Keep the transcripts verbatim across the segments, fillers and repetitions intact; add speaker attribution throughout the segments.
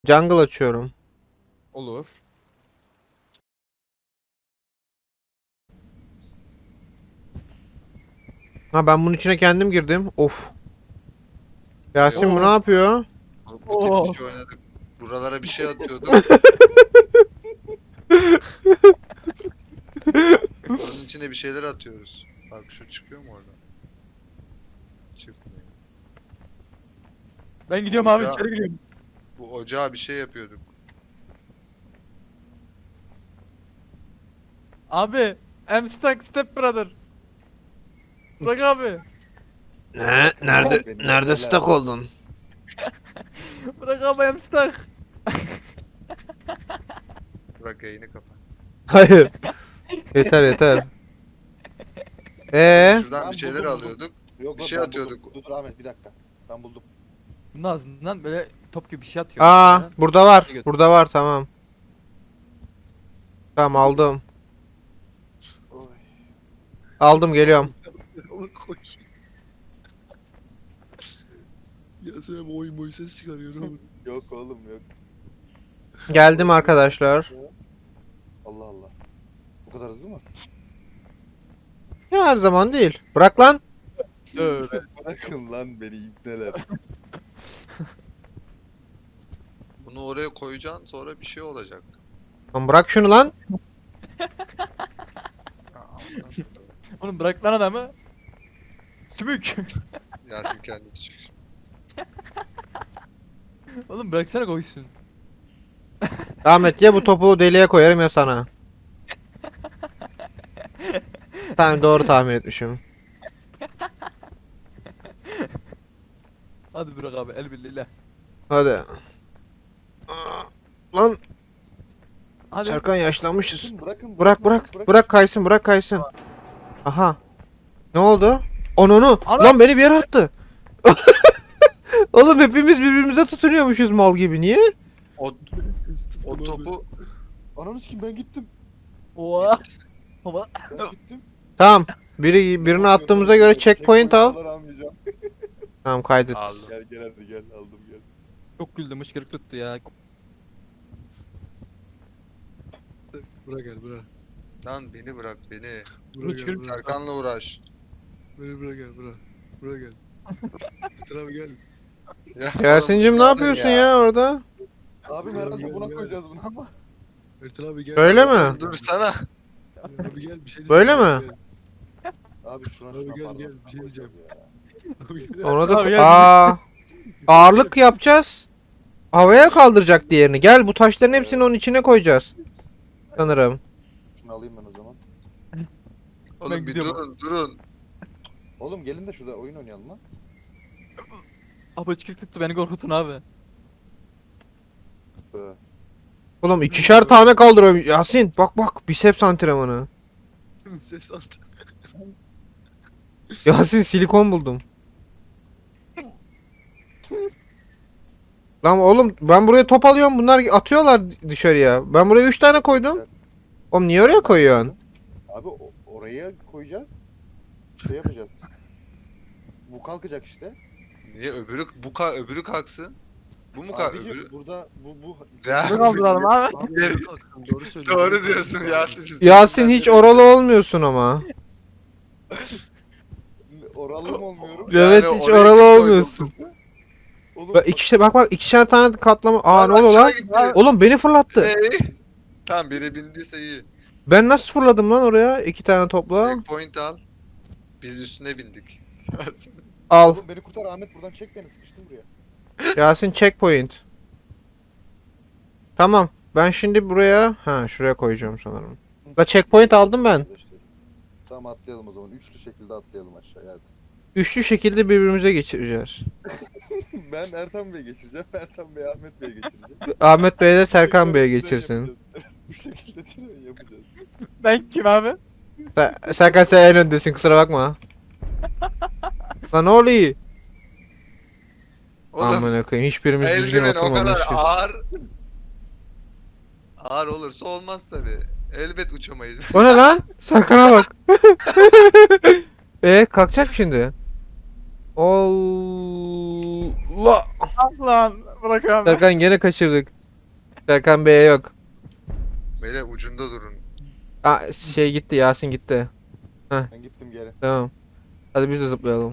Speaker 1: Jungle açıyorum.
Speaker 2: Olur.
Speaker 1: Ha ben bunun içine kendim girdim. Of. Yasin bu
Speaker 2: Oo.
Speaker 1: ne yapıyor?
Speaker 3: Bu tip
Speaker 2: Oo.
Speaker 3: bir şey oynadık. Buralara bir şey atıyorduk. Onun içine bir şeyler atıyoruz. Bak şu çıkıyor mu oradan? Çıkmıyor.
Speaker 2: Ben gidiyorum abi
Speaker 3: Ya.
Speaker 2: içeri giriyorum.
Speaker 3: Bu ocağa bir şey yapıyorduk.
Speaker 2: Abi. I'm stuck step brother. Bırak abi.
Speaker 1: Ne? Nerede
Speaker 4: Beni
Speaker 1: nerede
Speaker 4: yerler.
Speaker 1: stuck oldun?
Speaker 2: Bırak abi I'm stuck.
Speaker 3: Bırak yayını kapat.
Speaker 1: Hayır. Yeter yeter. Ee,
Speaker 3: Şuradan
Speaker 4: Ben
Speaker 3: bir şeyler
Speaker 4: buldum, buldum.
Speaker 3: alıyorduk.
Speaker 4: Yok,
Speaker 3: Bir
Speaker 4: yok,
Speaker 3: şey
Speaker 4: ben
Speaker 3: atıyorduk.
Speaker 4: buldum. Dur dur Ahmet bir dakika. Ben buldum.
Speaker 2: Bunun ağzından böyle top gibi bir şey atıyor.
Speaker 1: aa
Speaker 2: mesela.
Speaker 1: burada var. Burada var tamam. Tamam aldım.
Speaker 4: Oy.
Speaker 1: Aldım geliyorum.
Speaker 5: Onu koy. Ya sen bu oyun boyu ses çıkarıyor ne olur.
Speaker 4: Yok oğlum yok.
Speaker 1: Geldim arkadaşlar.
Speaker 4: Allah Allah. Bu kadar hızlı mı?
Speaker 1: Ya her zaman değil. Bırak lan.
Speaker 2: Öyle.
Speaker 4: Bırakın lan beni ibneler.
Speaker 3: Bunu oraya koyacaksın sonra bir şey olacak.
Speaker 1: Lan bırak şunu lan.
Speaker 3: Aa, anladım.
Speaker 2: Oğlum bırak lan adamı. Sümük.
Speaker 3: Yasin kendisi çık.
Speaker 2: Oğlum bıraksana koysun.
Speaker 1: Ahmet ya bu topu deliğe koyarım ya sana. Tamam doğru tahmin etmişim.
Speaker 2: Hadi bırak abi el birliğiyle.
Speaker 1: Hadi. Aa, lan
Speaker 2: Hadi.
Speaker 1: Serkan yaşlanmışız.
Speaker 4: Bırakın bırakın.
Speaker 1: Bırak
Speaker 4: bırakın,
Speaker 1: bırak. Bırak kaysın bırak kaysın. Aha. Ne oldu? Onunu.
Speaker 2: Ana!
Speaker 1: Lan beni bir yere attı. Oğlum hepimiz birbirimize tutunuyormuşuz mal gibi. Niye?
Speaker 3: O, o topu
Speaker 4: Ananı sikim ben gittim.
Speaker 2: Oha. Baba.
Speaker 4: Ben gittim.
Speaker 1: Tamam. Biri birini attığımıza göre checkpoint al.
Speaker 4: falan almayacağım.
Speaker 1: Tamam kaydet.
Speaker 3: aldım.
Speaker 4: Gel gel hadi gel aldım gel.
Speaker 2: Çok güldüm hıçkırık tuttu ya.
Speaker 5: Bırak gel bırak.
Speaker 3: Lan beni bırak beni.
Speaker 5: Bırak gel
Speaker 2: Bırak.
Speaker 5: bırak.
Speaker 3: Serkan'la uğraş.
Speaker 5: Beni bırak gel bırak. Bırak gel. Getir abi gel.
Speaker 3: Ya,
Speaker 1: Yasin'cim ne
Speaker 3: oğlum,
Speaker 1: yapıyorsun ya orada?
Speaker 4: Abi herhalde buna koyacağız bunu ama.
Speaker 5: Ertan abi gel.
Speaker 1: Öyle mi?
Speaker 3: Dur sana.
Speaker 5: Abi gel bir şey
Speaker 1: Böyle
Speaker 5: diyeceğim.
Speaker 1: mi?
Speaker 5: Gel.
Speaker 4: Abi şuna
Speaker 5: Abi
Speaker 4: şuna
Speaker 5: gel,
Speaker 4: pardon.
Speaker 5: gel, bir şey diyeceğim. Abi gel.
Speaker 1: Ona da
Speaker 2: Abi ya-
Speaker 1: aa ağırlık yapacağız. Havaya kaldıracak diğerini. Gel bu taşların hepsini onun içine koyacağız. Sanırım.
Speaker 4: Şunu alayım ben o zaman.
Speaker 3: Oğlum
Speaker 2: Ben
Speaker 3: bir
Speaker 2: gidiyorum.
Speaker 3: durun durun.
Speaker 4: Oğlum gelin de şurada oyun oynayalım lan.
Speaker 2: Abi hıçkırık tuttu beni korkutun abi.
Speaker 4: Böyle.
Speaker 1: Oğlum ikişer tane kaldırıyorum. Yasin bak bak biceps antrenmanı.
Speaker 5: Ses at.
Speaker 1: Yasin silikon buldum. Lan oğlum ben buraya top alıyorum bunlar atıyorlar dışarıya. Ben buraya üç tane koydum. Oğlum niye oraya koyuyorsun?
Speaker 4: Abi o- oraya koyacağız. Şey yapacağız. Bu kalkacak işte.
Speaker 3: Niye öbürü bu ka öbürü kalksın? Bu mu kalk
Speaker 4: Abicim
Speaker 3: öbürü?
Speaker 4: burada bu bu
Speaker 3: Ya.
Speaker 2: Ne kaldıralım abi?
Speaker 5: Abi doğru kalktın, doğru söylüyorsun.
Speaker 3: Doğru diyorsun Yasin.
Speaker 1: Yasin hiç oralı olmuyorsun ama.
Speaker 4: oralı mı olmuyorum?
Speaker 1: Evet
Speaker 3: Yani
Speaker 1: hiç
Speaker 3: oraya
Speaker 1: oralı
Speaker 3: koydum.
Speaker 1: olmuyorsun.
Speaker 4: Oğlum
Speaker 1: Bak ikişer bak bak ikişer tane katlama. Aa ne oluyor
Speaker 3: Aşağı
Speaker 1: lan?
Speaker 3: gitti.
Speaker 1: Oğlum beni fırlattı.
Speaker 3: Hey. Tamam biri bindiyse iyi.
Speaker 1: Ben nasıl fırladım lan oraya? İki tane topla.
Speaker 3: Checkpoint al. Biz üstüne bindik. Yasin.
Speaker 1: Al.
Speaker 4: Oğlum beni kurtar Ahmet buradan çek beni sıkıştım buraya.
Speaker 1: Yasin checkpoint. Tamam. Ben şimdi buraya ha şuraya koyacağım sanırım. La checkpoint aldım ben.
Speaker 4: Tamam atlayalım o zaman. Üçlü şekilde atlayalım aşağıya hadi.
Speaker 1: Üçlü şekilde birbirimize geçireceğiz.
Speaker 4: Ben Ertan Bey'e geçireceğim. Ertan Bey Ahmet Bey'e geçireceğim.
Speaker 1: Ahmet Bey de Serkan Bey'e
Speaker 4: Tren
Speaker 1: geçirsin.
Speaker 4: yapacağız. Bu şekilde tren yapacağız.
Speaker 2: Ben kim abi?
Speaker 1: Ser- Serkan sen en öndesin kusura bakma. Lan ne oluyor?
Speaker 3: Oğlum
Speaker 1: Aman koyayım hiçbirimiz düzgün
Speaker 3: eldiven o kadar
Speaker 1: oturmamışız.
Speaker 3: ağır. Ağır olursa olmaz tabi. Elbet uçamayız.
Speaker 1: O ne lan? Serkan'a bak. E kalkacak mı şimdi? Allah.
Speaker 2: Ah lan bırak abi.
Speaker 1: Serkan gene kaçırdık. Serkan Bey'e yok.
Speaker 3: Beyler ucunda durun.
Speaker 1: Aa, şey gitti, Yasin gitti.
Speaker 4: Ben gittim geri.
Speaker 1: Tamam. Hadi biz de zıplayalım.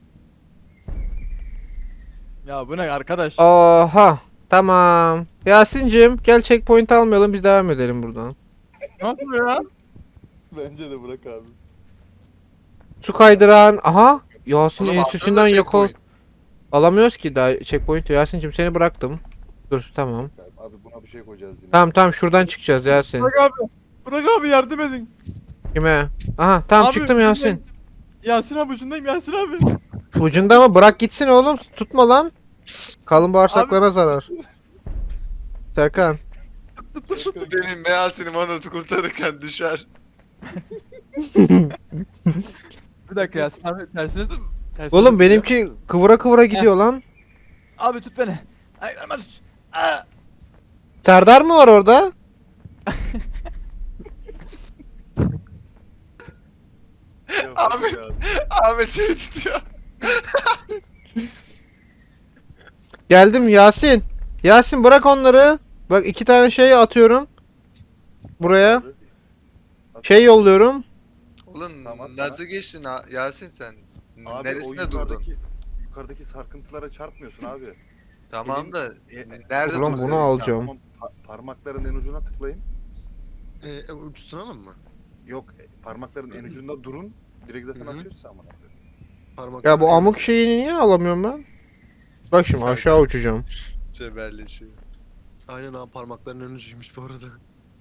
Speaker 2: Ya bu ne arkadaş?
Speaker 1: Oha. Tamam. Yasin'cim gel checkpoint almayalım, biz devam edelim buradan.
Speaker 2: Ne yapıyor ya?
Speaker 4: Bence de bırak abi.
Speaker 1: Su kaydıran. Aha. Yasin
Speaker 3: Oğlum
Speaker 1: enstitüsünden
Speaker 3: alsanıza
Speaker 1: yakal.
Speaker 3: checkpoint.
Speaker 1: Alamıyoruz ki daha checkpoint. Yasin'cim seni bıraktım. Dur tamam.
Speaker 4: Abi buna bir şey koyacağız yine.
Speaker 1: Tamam tamam şuradan çıkacağız Yasin.
Speaker 2: Bırak abi. Bırak abi yardım edin.
Speaker 1: Kime? Aha tamam
Speaker 2: Abi,
Speaker 1: çıktım Yasin.
Speaker 2: Yasin abi ucundayım Yasin abi.
Speaker 1: Ucunda ama bırak gitsin oğlum. Tutma lan. Kalın bağırsaklarına zarar. Serkan.
Speaker 3: Benim Meyasin'im onu kurtarırken düşer.
Speaker 2: Bir dakika Yasin abi tersiniz de tersine
Speaker 1: Oğlum
Speaker 2: zıplıyor.
Speaker 1: benimki kıvıra kıvıra gidiyor lan.
Speaker 2: Abi tut beni. Ayaklarıma tut. Aa!
Speaker 1: Serdar mı var orada?
Speaker 4: Ya,
Speaker 3: Abi.
Speaker 4: ya.
Speaker 3: Ahmet şey tutuyor.
Speaker 1: Geldim Yasin. Yasin bırak onları. Bak iki tane şey atıyorum. Buraya. Şey yolluyorum.
Speaker 3: Oğlum
Speaker 4: Tamam,
Speaker 3: nasıl geçtin ha- Yasin sen?
Speaker 4: Abi
Speaker 3: Neresinde
Speaker 4: o
Speaker 3: durdun?
Speaker 4: yukarıdaki, yukarıdaki sarkıntılara çarpmıyorsun abi.
Speaker 3: Tamam
Speaker 4: Elin-
Speaker 3: da
Speaker 4: E,
Speaker 3: nerede
Speaker 1: Ulan
Speaker 3: durdun?
Speaker 1: bunu alacağım.
Speaker 4: Tamam, pa- parmakların en ucuna tıklayın.
Speaker 5: Ee, ucu tutalım mı?
Speaker 4: Yok e, parmakların en ucunda durun. Direkt zaten
Speaker 5: Hı hı.
Speaker 4: atıyorsun ama.
Speaker 5: Parmak
Speaker 1: Ya bu amık şeyini niye alamıyorum ben? Bak şimdi aşağı uçacağım.
Speaker 3: Cebelleşiyor.
Speaker 5: Aynen abi parmakların ön ucuymuş bu arada.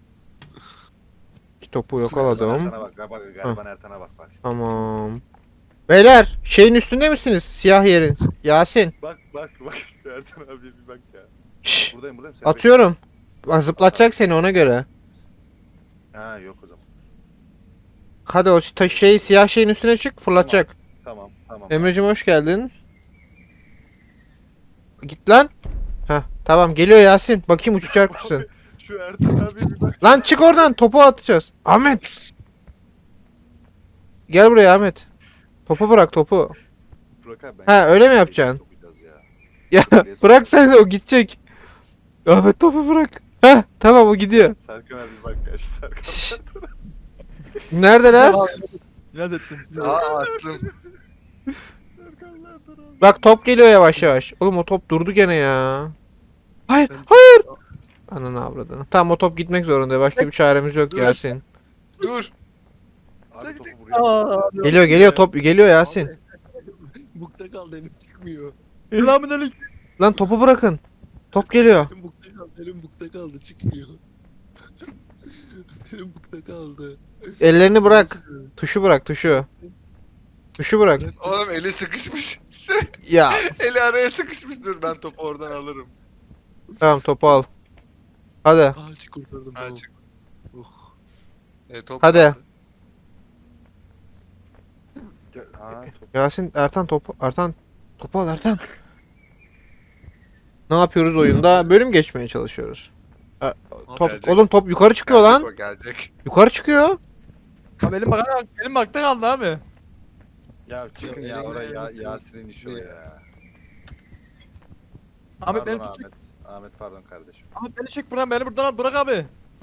Speaker 1: İki topu
Speaker 4: Ertan'a
Speaker 1: yakaladım.
Speaker 4: bak, bak, bak, gariban Ertan'a bak, bak.
Speaker 1: Tamam. Beyler şeyin üstünde misiniz? Siyah yerin. Yasin.
Speaker 4: Bak, bak, bak. Ertan abi bir bak ya.
Speaker 1: Şşş.
Speaker 4: Buradayım, buradayım. Sen
Speaker 1: Atıyorum. Bak zıplatacak seni ona göre.
Speaker 4: bekle. Ha yok o zaman.
Speaker 1: Hadi o taş şeyi siyah şeyin üstüne çık fırlatacak.
Speaker 4: Tamam, tamam.
Speaker 1: Emre'cim hoş geldin. Git lan. Heh tamam geliyor Yasin. Bakayım uçacak mısın?
Speaker 4: Şu Ertan abi bir bak.
Speaker 1: Lan çık oradan topu atacağız. Ahmet. Gel buraya Ahmet. Topu bırak topu.
Speaker 4: Burak abi, ben
Speaker 1: Ha, öyle mi yapacaksın?
Speaker 4: Sokacağız ya.
Speaker 1: Ya bırak sen o gidecek. Ahmet topu bırak. Heh tamam o gidiyor.
Speaker 4: Serkan abi bak ya şu Serkan.
Speaker 1: Şşş. Neredeler?
Speaker 2: İnat ettim.
Speaker 3: Aa attım.
Speaker 4: Serkan Ertan abi.
Speaker 1: Bak top geliyor yavaş yavaş. Oğlum o top durdu gene ya. Hayır
Speaker 5: Ben-
Speaker 1: hayır. Ananı avradını. Tamam o top gitmek zorunda. Başka bir çaremiz yok
Speaker 3: Dur.
Speaker 1: Yasin.
Speaker 3: Dur.
Speaker 4: Abi topu buraya.
Speaker 2: Aa,
Speaker 1: Geliyor geliyor top geliyor Yasin.
Speaker 5: Bukta kaldı elim çıkmıyor.
Speaker 2: Selamünaleyküm.
Speaker 1: Lan topu bırakın. Top geliyor.
Speaker 5: Elim bukta kaldı, elim bukta kaldı çıkmıyor. Elim bukta kaldı.
Speaker 1: Ellerini bırak. Tuşu bırak tuşu. Tuşu bırak.
Speaker 3: Oğlum eli sıkışmış.
Speaker 1: Ya
Speaker 3: Eli araya sıkışmış. Dur ben topu oradan alırım.
Speaker 1: tamam topu al. Hadi.
Speaker 5: Aa çık kurtardım
Speaker 3: Ha,
Speaker 5: tamam.
Speaker 3: çık.
Speaker 5: Oh.
Speaker 3: E, top
Speaker 1: Hadi.
Speaker 3: nerede?
Speaker 4: Gel- Ha top.
Speaker 1: Yasin Ertan topu. Ertan topu al Ertan. Ne yapıyoruz oyunda? Bölüm geçmeye çalışıyoruz. E, top,
Speaker 3: Gelecek.
Speaker 1: oğlum top yukarı çıkıyor
Speaker 3: Gelecek
Speaker 1: lan.
Speaker 3: o, gelecek.
Speaker 1: Yukarı çıkıyor.
Speaker 2: Abi elim bak elim bakta kaldı abi.
Speaker 4: Ya çıkın ya
Speaker 5: elini
Speaker 4: oraya ya,
Speaker 5: ayağını
Speaker 4: Yasin'in işi o ya.
Speaker 2: Ahmet beni
Speaker 4: Pardon
Speaker 2: tut.
Speaker 4: Ahmet. Ahmet pardon kardeşim.
Speaker 2: Ahmet beni çek buradan beni buradan al bırak abi.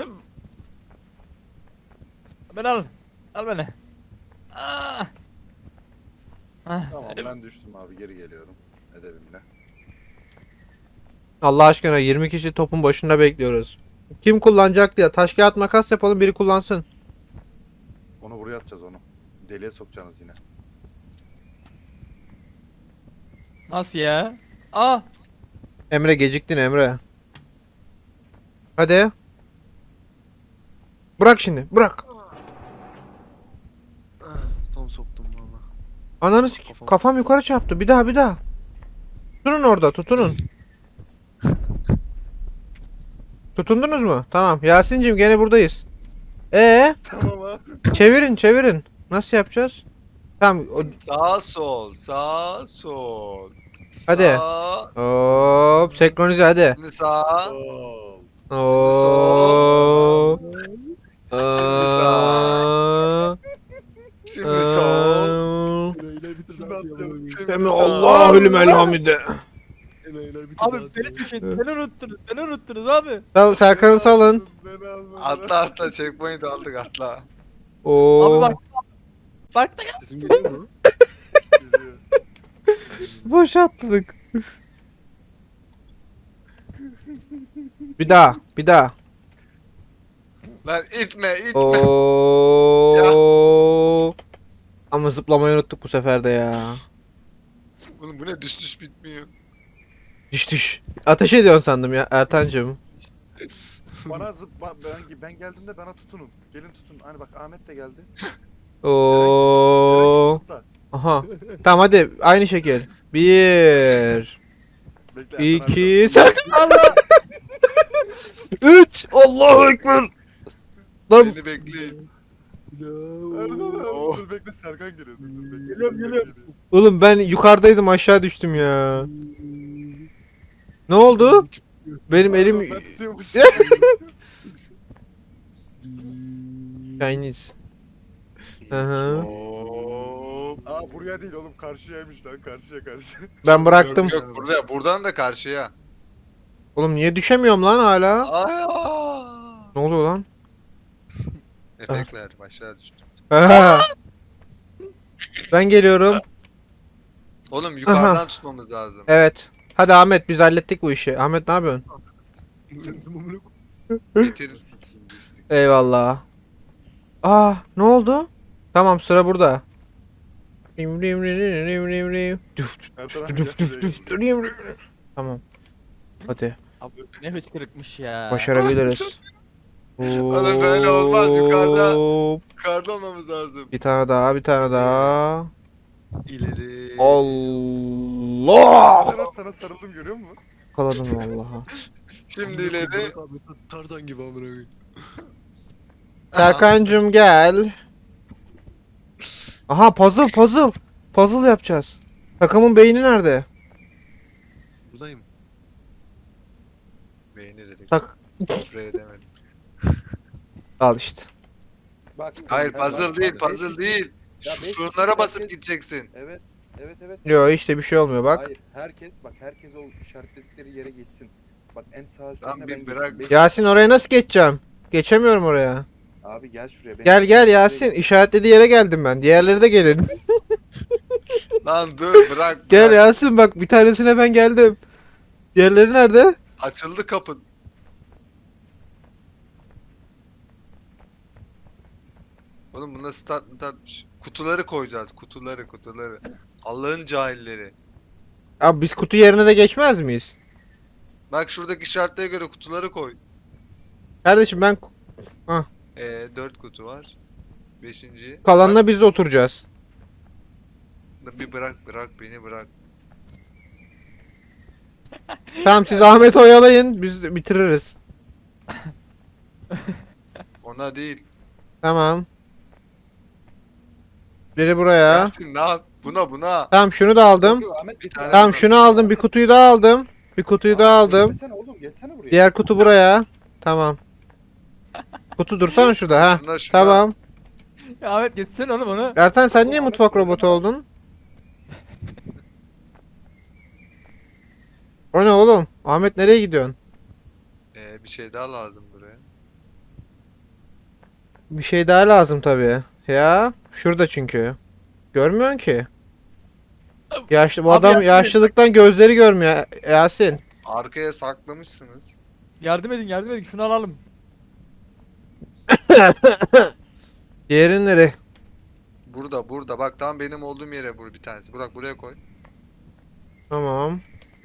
Speaker 2: Beni al. Al beni. Aa. Ah,
Speaker 4: Tamam
Speaker 2: elim-
Speaker 4: ben düştüm abi geri geliyorum. Edebimle.
Speaker 1: Allah aşkına yirmi kişi topun başında bekliyoruz. Kim kullanacak diye taş kağıt makas yapalım biri kullansın.
Speaker 4: Onu buraya atacağız onu. Deliğe sokacaksınız yine.
Speaker 2: Nasıl ya? Aa.
Speaker 1: Emre geciktin Emre. Hadi. Bırak şimdi bırak.
Speaker 5: Ah, tam soktum valla.
Speaker 1: Ananı sik-
Speaker 5: Kafam-
Speaker 1: kafam yukarı çarptı bir daha bir daha. Tutunun orada tutunun. Tutundunuz mu? Tamam Yasin'cim gene buradayız. Ee,
Speaker 4: Tamam abi.
Speaker 1: çevirin çevirin. Nasıl yapacağız? Tamam o-
Speaker 3: Sağ sol, sağ sol.
Speaker 1: Hadi.
Speaker 3: Sağ,
Speaker 1: hop senkronize hadi.
Speaker 3: şimdi sağ.
Speaker 4: Oo.
Speaker 1: Oo.
Speaker 3: Şimdi sağ. Şimdi sol.
Speaker 5: Enayiler bitir
Speaker 3: Şimdi attım. Şimdi
Speaker 1: Semi
Speaker 3: sağ.
Speaker 1: Allahü limen hamide.
Speaker 5: Enayiler kutu
Speaker 2: Abi
Speaker 5: lazım.
Speaker 2: beni düşün. Beni unuttunuz. Beni unuttunuz abi.
Speaker 1: Sal Serkan'ı salın.
Speaker 4: Beni almadılar.
Speaker 3: Atla atla checkpoint aldık atla.
Speaker 1: Oo.
Speaker 2: Abi bak. Bak da
Speaker 5: Sesim geliyor mu?
Speaker 4: Geliyor.
Speaker 1: Boşalttık. Bir daha, bir daha.
Speaker 3: Lan itme itme.
Speaker 1: Oo. Ama zıplamayı unuttuk bu sefer de ya.
Speaker 3: Oğlum bu ne düş düş bitmiyor.
Speaker 1: Düş düş. Ateş ediyorsun sandım ya Ertancığım.
Speaker 4: Bana zıp ba- ben, ben geldiğimde bana tutunun. Gelin tutun. Hani bak Ahmet de geldi.
Speaker 1: Oo.
Speaker 4: Zıpla.
Speaker 1: Aha. Tamam hadi aynı şekil. Bir,
Speaker 4: Bekle, Ertan
Speaker 1: iki,
Speaker 4: abi.
Speaker 1: Serkan.
Speaker 2: Allah.
Speaker 1: Üç. Allahu Ekber. Lan
Speaker 3: Beni bekleyin.
Speaker 4: Ertan abi,
Speaker 3: Oh.
Speaker 4: dur bekle Serkan geliyor. Dur, dur, bekle,
Speaker 2: Geliyorum,
Speaker 4: Serkan
Speaker 2: geliyorum.
Speaker 4: geliyor.
Speaker 1: oğlum ben yukarıdaydım aşağı düştüm ya. Ne oldu? Benim
Speaker 4: Pardon,
Speaker 1: elim
Speaker 4: Ben tutuyormuşum.
Speaker 1: Chinese. Hı hı.
Speaker 3: Hop.
Speaker 4: Aa buraya değil oğlum karşıyaymış lan karşıya karşı.
Speaker 1: Ben bıraktım.
Speaker 3: Yok, yok burada buradan da karşıya.
Speaker 1: Oğlum niye düşemiyorum lan hala?
Speaker 3: Aa!
Speaker 1: Ne oluyor lan?
Speaker 3: Efekt verdim aşağı düştüm.
Speaker 1: Aha. Ben geliyorum.
Speaker 3: Oğlum yukarıdan tutmamız lazım.
Speaker 1: Evet. Hadi Ahmet biz hallettik bu işi. Ahmet ne yapıyorsun?
Speaker 3: Getir.
Speaker 4: Sikeyim düştük.
Speaker 1: Eyvallah. Aa ne oldu? Tamam sıra burada. Rim rim rim rim rim rim rim. Düf, düf,
Speaker 4: Ertan abi
Speaker 1: düf,
Speaker 4: gel
Speaker 1: düf,
Speaker 4: şuraya
Speaker 1: düf,
Speaker 4: gel.
Speaker 1: rim, rim. Tamam. Hadi
Speaker 2: Abi ne hıçkırıkmış ya.
Speaker 1: başarabiliriz.
Speaker 3: Oğlum böyle olmaz, yukarıda.
Speaker 1: Hop.
Speaker 3: Yukarıda olmamız lazım.
Speaker 1: Bir tane daha, bir tane daha.
Speaker 3: İleri.
Speaker 1: Allah!
Speaker 4: Ertan abi sana sarıldım görüyor musun?
Speaker 1: Yakaladım vallahi.
Speaker 3: Şimdi ileri.
Speaker 5: Tarzan gibi amına koyayım.
Speaker 1: Serkancım gel. Aha puzzle puzzle. Puzzle yapacağız. Takımın beyni nerede?
Speaker 5: Buradayım.
Speaker 3: Beğeni dedik.
Speaker 1: Tak.
Speaker 3: Buraya demedim.
Speaker 1: Al işte.
Speaker 4: Bak.
Speaker 3: Hayır
Speaker 4: bak,
Speaker 3: puzzle
Speaker 4: bak,
Speaker 3: değil
Speaker 4: bak,
Speaker 3: puzzle
Speaker 4: beş
Speaker 3: değil.
Speaker 4: Ya
Speaker 3: Şu
Speaker 4: beş
Speaker 3: şunlara
Speaker 4: kişi
Speaker 3: basıp
Speaker 4: herkes-
Speaker 3: gideceksin.
Speaker 4: Evet. Evet evet.
Speaker 1: Yo işte bir şey olmuyor bak.
Speaker 4: Hayır herkes bak herkes o işaretledikleri yere geçsin. Bak en sağ
Speaker 3: Lan
Speaker 4: üstlerine
Speaker 3: bir
Speaker 4: ben
Speaker 3: bırak.
Speaker 4: geçeyim. Beş-
Speaker 1: Yasin oraya nasıl geçeceğim? Geçemiyorum oraya.
Speaker 4: Abi gel şuraya. ben-
Speaker 1: Gel gel
Speaker 4: şuraya
Speaker 1: Yasin.
Speaker 4: geç.
Speaker 1: İşaretlediği yere geldim ben. Diğerleri de gelin.
Speaker 3: Lan dur bırak.
Speaker 1: Gel
Speaker 3: bırak.
Speaker 1: Yasin bak bir tanesine ben geldim. Diğerleri nerede?
Speaker 3: Açıldı kapı. Oğlum bunda stat statmış. Kutuları koyacağız. Kutuları kutuları. Allah'ın cahilleri.
Speaker 1: Abi biz kutu yerine de geçmez miyiz?
Speaker 3: Bak şuradaki işaretlere göre kutuları koy.
Speaker 1: Kardeşim ben
Speaker 3: Ee, dört kutu var. Beşinci.
Speaker 1: kalanla biz de oturacağız.
Speaker 3: Bak, bir bırak bırak beni bırak.
Speaker 1: Tamam siz Ahmet oyalayın biz de bitiririz.
Speaker 3: Ona değil.
Speaker 1: Tamam. Biri buraya.
Speaker 3: Yasin ne yap? Buna buna.
Speaker 1: Tamam şunu da aldım.
Speaker 4: Yok, yok, Ahmet bir
Speaker 3: tane
Speaker 1: Tamam şunu aldım. Bir kutuyu daha aldım. Bir kutuyu daha aldım.
Speaker 4: Gelsene oğlum gelsene buraya.
Speaker 1: Diğer kutu buraya. Tamam. Kutu dursana şurada ha.
Speaker 3: Şuna şuna.
Speaker 1: Tamam.
Speaker 2: Ya Ahmet geçsene oğlum onu.
Speaker 1: Ertan sen niye mutfak robotu oldun? O ne oğlum? Ahmet nereye gidiyorsun?
Speaker 3: Ee, bir şey daha lazım buraya.
Speaker 1: Bir şey daha lazım tabii. Ya şurada çünkü. Görmüyorsun ki. Yaşlı bu
Speaker 2: Abi
Speaker 1: adam
Speaker 2: Yasin-
Speaker 1: yaşlılıktan gözleri görmüyor Yasin.
Speaker 3: Arkaya saklamışsınız.
Speaker 2: Yardım edin yardım edin şunu alalım.
Speaker 1: Diğeri nereye?
Speaker 3: Burada burada bak tam benim olduğum yere vur bir tanesi. Bırak buraya koy.
Speaker 1: Tamam.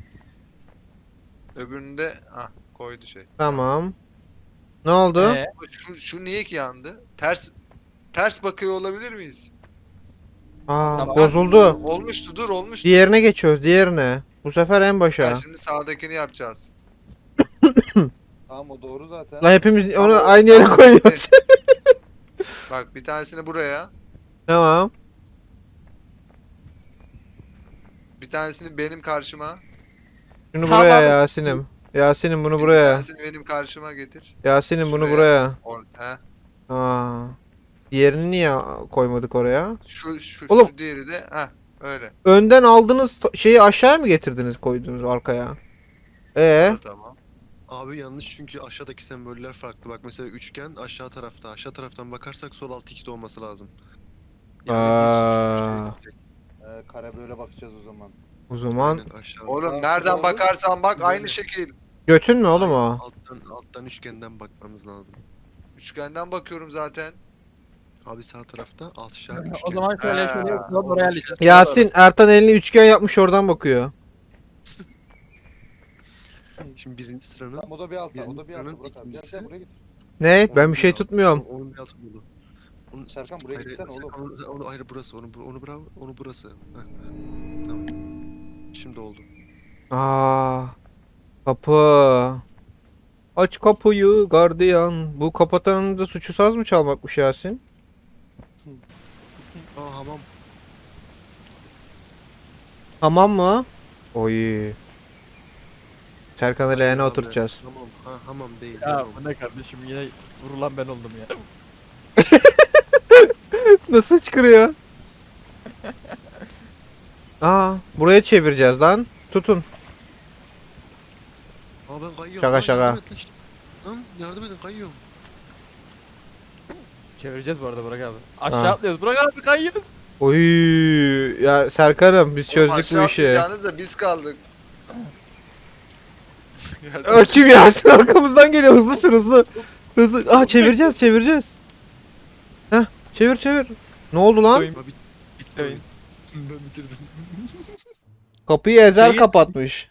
Speaker 3: Öbürünü de ah koydu şey.
Speaker 1: Tamam. Ne oldu?
Speaker 2: Ee,
Speaker 3: Şu, şu niye ki yandı? Ters ters bakıyor olabilir miyiz?
Speaker 1: Aa
Speaker 2: Tamam.
Speaker 1: bozuldu.
Speaker 3: Olmuştu dur olmuştu.
Speaker 1: Diğerine geçiyoruz diğerine. Bu sefer en başa.
Speaker 3: Ya şimdi sağdakini yapacağız.
Speaker 4: Tamam o doğru zaten.
Speaker 1: La hepimiz onu
Speaker 3: Ama o-
Speaker 1: aynı yere
Speaker 3: tamam,
Speaker 1: koyuyoruz.
Speaker 3: Bak bir tanesini buraya.
Speaker 1: Tamam.
Speaker 3: Bir tanesini benim karşıma.
Speaker 1: Şunu
Speaker 2: Tamam.
Speaker 1: buraya Yasin'im. Yasin'im bunu
Speaker 3: Bir
Speaker 1: buraya.
Speaker 3: tanesini benim karşıma getir.
Speaker 1: Yasin'im bunu
Speaker 3: Şuraya.
Speaker 1: buraya.
Speaker 3: Or he.
Speaker 1: Aa. Diğerini niye koymadık oraya?
Speaker 3: Şu şu
Speaker 1: Oğlum.
Speaker 3: şu diğeri de heh öyle.
Speaker 1: Önden aldığınız to- şeyi aşağıya mı getirdiniz koydunuz arkaya? Ee,
Speaker 3: Bu da tamam.
Speaker 5: Abi yanlış çünkü aşağıdaki semboller farklı. Bak mesela üçgen aşağı tarafta. Aşağı taraftan bakarsak sol alt ikide olması lazım.
Speaker 1: Aa.
Speaker 5: bir şey-
Speaker 4: Ee, kare böyle bakacağız o zaman.
Speaker 1: o zaman
Speaker 5: Aynen aşağı.
Speaker 3: Oğlum
Speaker 4: Aa,
Speaker 3: nereden
Speaker 4: doğru.
Speaker 3: bakarsan bak aynı
Speaker 5: Böyle.
Speaker 3: şekil.
Speaker 1: götün mü oğlum
Speaker 5: Hayır,
Speaker 1: o?
Speaker 5: Alttan, alttan üçgenden bakmamız lazım.
Speaker 3: Üçgenden bakıyorum zaten.
Speaker 5: Abi sağ tarafta alt aşağı
Speaker 2: O
Speaker 5: üçgen.
Speaker 2: zaman şöyle
Speaker 3: Ha,
Speaker 2: şöyle yapalım,
Speaker 3: oğlum
Speaker 2: oraya
Speaker 3: üçgen-
Speaker 2: halledeceğiz.
Speaker 1: Yasin Ertan elini üçgen yapmış oradan bakıyor.
Speaker 5: Şimdi birinci sıranın
Speaker 4: Tamam o da bir altta. O
Speaker 5: Birinci
Speaker 4: da bir altta.
Speaker 5: sıranın
Speaker 4: Burak abi. Gel
Speaker 5: ikincisi.
Speaker 4: gel buraya git.
Speaker 1: Ne? Ben bir şey
Speaker 5: Onun-
Speaker 1: tutmuyorum.
Speaker 5: Onun bir altı bulu. Onun,
Speaker 4: Serkan buraya
Speaker 5: hayır,
Speaker 4: gitsene
Speaker 5: hayır,
Speaker 4: oğlum.
Speaker 5: Onu, onu ayrı burası. Onu, bu- onu bravo. Onu burası. Heh. Tamam. Şimdi oldu.
Speaker 1: Aa, kapı. Aç kapıyı gardiyan. Bu kapatanın da suçu saz mı çalmakmış Yasin?
Speaker 5: Aa hamam.
Speaker 1: Hamam mı? Oy. Serkan'ı
Speaker 5: Hayır
Speaker 1: leğene
Speaker 5: abi,
Speaker 1: oturtacağız.
Speaker 5: Hamam. Ha, hamam değil.
Speaker 2: Ya
Speaker 5: hamam.
Speaker 2: bu ne kardeşim, yine vurulan ben oldum ya.
Speaker 1: Nasıl çıkırıyor? Aa, buraya çevireceğiz lan. Tutun.
Speaker 5: Aa ben kayıyorum.
Speaker 1: Şaka,
Speaker 5: Lan
Speaker 1: şaka.
Speaker 5: Yardım et lan işte. Lan yardım edin kayıyorum.
Speaker 2: Çevireceğiz bu arada Burak abi. Aşağı
Speaker 1: Ha.
Speaker 2: atlıyoruz. Burak abi kayıyoruz.
Speaker 1: Oy, ya Serkan'ım biz
Speaker 3: Oğlum
Speaker 1: çözdük
Speaker 3: aşağı
Speaker 1: bu işi.
Speaker 3: atlayacağınız da biz kaldık. Ya,
Speaker 1: Aa, kim Yasin arkamızdan geliyor hızlısın hızlı. Hızlı. Aa çevireceğiz çevireceğiz. Heh çevir çevir. Ne oldu lan?
Speaker 2: Oyun
Speaker 5: Abi
Speaker 2: bitti oyun.
Speaker 5: ben bitirdim.
Speaker 1: Kapıyı Ezel
Speaker 2: Şeyi-
Speaker 1: kapatmış.